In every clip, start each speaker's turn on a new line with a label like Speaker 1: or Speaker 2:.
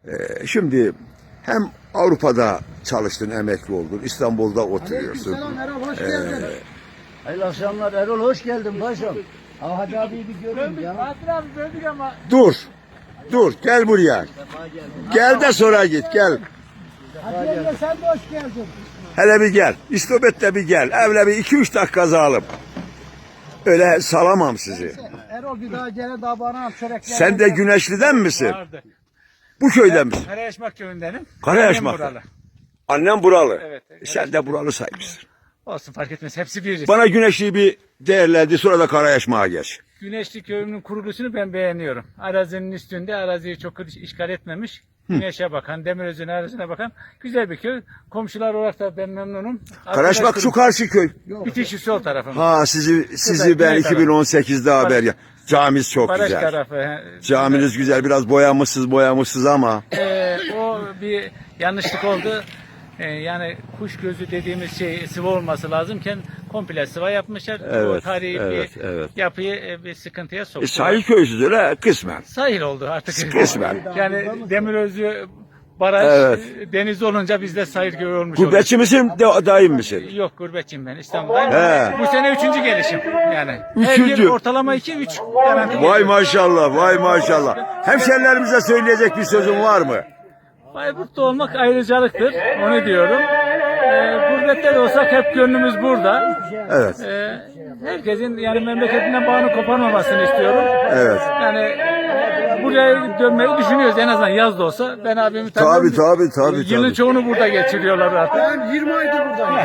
Speaker 1: Şimdi hem Avrupa'da çalıştın, emekli oldun, İstanbul'da oturuyorsun.
Speaker 2: Aleykümselam Erol, hoş geldin.
Speaker 3: Hayırlı akşamlar Erol, hoş geldin paşam. Hacı abiyi bir görün ya.
Speaker 2: Fatih abi böldük ama.
Speaker 1: Dur, gel buraya. Gel de sonra git, gel.
Speaker 2: Hadi yenge sen de hoş geldin.
Speaker 1: Hele bir gel, İstopet'te bir gel. Evle bir 2-3 dakika alalım. Öyle salamam sizi.
Speaker 2: Erol bir daha gene daha bana al çörekler.
Speaker 1: Sen de Güneşli'den misin?
Speaker 4: Vardı.
Speaker 1: Bu köyden misin?
Speaker 4: Karayaşmak köyündenim.
Speaker 1: Karayaşmak.
Speaker 4: Annem buralı.
Speaker 1: Annem buralı.
Speaker 4: Evet.
Speaker 1: Sen de buralı saymışsın.
Speaker 4: Olsun fark etmez. Hepsi bir.
Speaker 1: Bana Güneşli'yi bir değerlendi, sonra da Karayaşmak'a geç.
Speaker 4: Güneşli köyünün kuruluşunu ben beğeniyorum. Arazinin üstünde, araziyi çok işgal etmemiş. Güneşe bakan, Demirözü'nün arazisine bakan güzel bir köy. Komşular olarak da ben memnunum.
Speaker 1: Karayaşmak şu karşı köy.
Speaker 4: Bitişi sol tarafım.
Speaker 1: Ha sizi ben
Speaker 4: Güney tarafı.
Speaker 1: 2018'de haber ya. Caminiz çok
Speaker 4: Baraj
Speaker 1: güzel.
Speaker 4: tarafı.
Speaker 1: Caminiz güzel, biraz boyamışsız ama.
Speaker 4: O bir yanlışlık oldu. Yani kuş gözü dediğimiz şey sıvı olması lazımken komple sıva yapmışlar.
Speaker 1: Evet,
Speaker 4: O tarihi
Speaker 1: evet,
Speaker 4: bir
Speaker 1: evet.
Speaker 4: yapıyı bir sıkıntıya soktu.
Speaker 1: Sahil köysüz öyle kısmen.
Speaker 4: Sahil oldu artık.
Speaker 1: Kısmen.
Speaker 4: Yani Demirözü baraj
Speaker 1: Evet.
Speaker 4: deniz olunca bizde sahil köyü olmuş oldu.
Speaker 1: Gurbetçi misin, daim misin?
Speaker 4: Yok gurbetçiyim ben İstanbul'dayım.
Speaker 1: He.
Speaker 4: Bu sene 3. gelişim yani. Her
Speaker 1: Üçüncü.
Speaker 4: yıl ortalama 2-3 garanti.
Speaker 1: Vay maşallah, vay maşallah. Hemşerilerimize söyleyecek bir sözün var mı?
Speaker 4: Bayburt'ta olmak ayrıcalıktır. Onu diyorum. Gurbette de olsak hep gönlümüz burada.
Speaker 1: Evet,
Speaker 4: Herkesin yani memleketinden bağını koparmamasını istiyorum.
Speaker 1: evet.
Speaker 4: Yani buraya dönmeyi düşünüyoruz en azından yaz da olsa. Ben abimi
Speaker 1: Tabii,
Speaker 4: tanıyorum.
Speaker 1: tabii.
Speaker 4: Yılın çoğunu burada geçiriyorlar artık.
Speaker 2: Ben 20 aydır buradayım.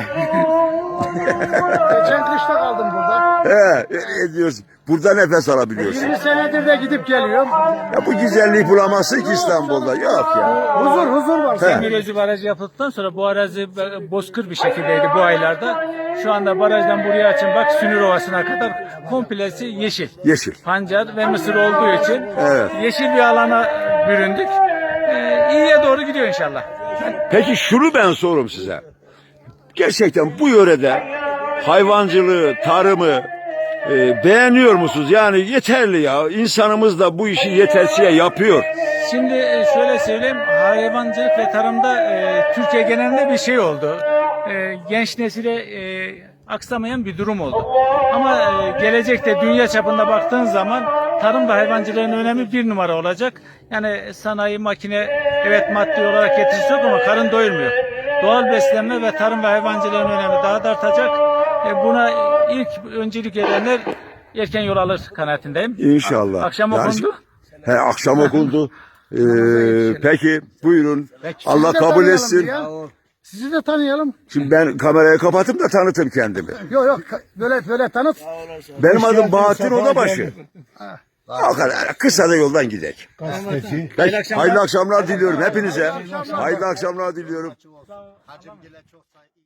Speaker 2: Geçen kışta kaldım burada.
Speaker 1: Ne diyorsun? Burada nefes alabiliyorsun.
Speaker 2: 20 senedir de gidip geliyorum.
Speaker 1: Ya bu güzelliği bulamazsın ki İstanbul'da. Yok ya.
Speaker 2: Huzur var.
Speaker 4: Demirözü barajı yapıldıktan sonra bu arazi bozkır bir şekildeydi bu aylarda. Şu anda barajdan buraya açın bak Sünür Ovası'na kadar komplesi yeşil.
Speaker 1: Yeşil.
Speaker 4: Pancar ve mısır olduğu için
Speaker 1: Evet.
Speaker 4: yeşil bir alana büründük. İyiye doğru gidiyor inşallah.
Speaker 1: Peki şunu ben sorum size. Gerçekten bu yörede hayvancılığı, tarımı beğeniyor musunuz? Yani yeterli ya. İnsanımız da bu işi yetersiye yapıyor.
Speaker 4: Şimdi şöyle söyleyeyim, hayvancılık ve tarımda Türkiye genelinde bir şey oldu. Genç nesile aksamayan bir durum oldu. Ama gelecekte dünya çapında baktığın zaman tarım ve hayvancılığın önemi bir numara olacak. Yani sanayi, makine evet maddi olarak getirisi yok ama karın doyurmuyor. Doğal beslenme ve tarım ve hayvancılığın önemi daha da artacak. Buna ilk öncelik edenler erken yol alır kanaatindeyim.
Speaker 1: İnşallah.
Speaker 4: Akşam
Speaker 1: Yani-
Speaker 4: okundu.
Speaker 1: Akşam okundu. Peki buyurun. Allah
Speaker 2: Sizi de
Speaker 1: kabul
Speaker 2: tanıyalım
Speaker 1: etsin.
Speaker 2: ya. Sizi de tanıyalım.
Speaker 1: Şimdi ben kamerayı kapatayım da tanıtayım kendimi.
Speaker 2: Yok böyle tanıt.
Speaker 1: Benim adım Bahattin Odabaşı. O kadar. Kısa da yoldan gidek. Peki, hayırlı akşamlar diliyorum hepinize. Hayırlı akşamlar diliyorum.
Speaker 3: Hacım gele çok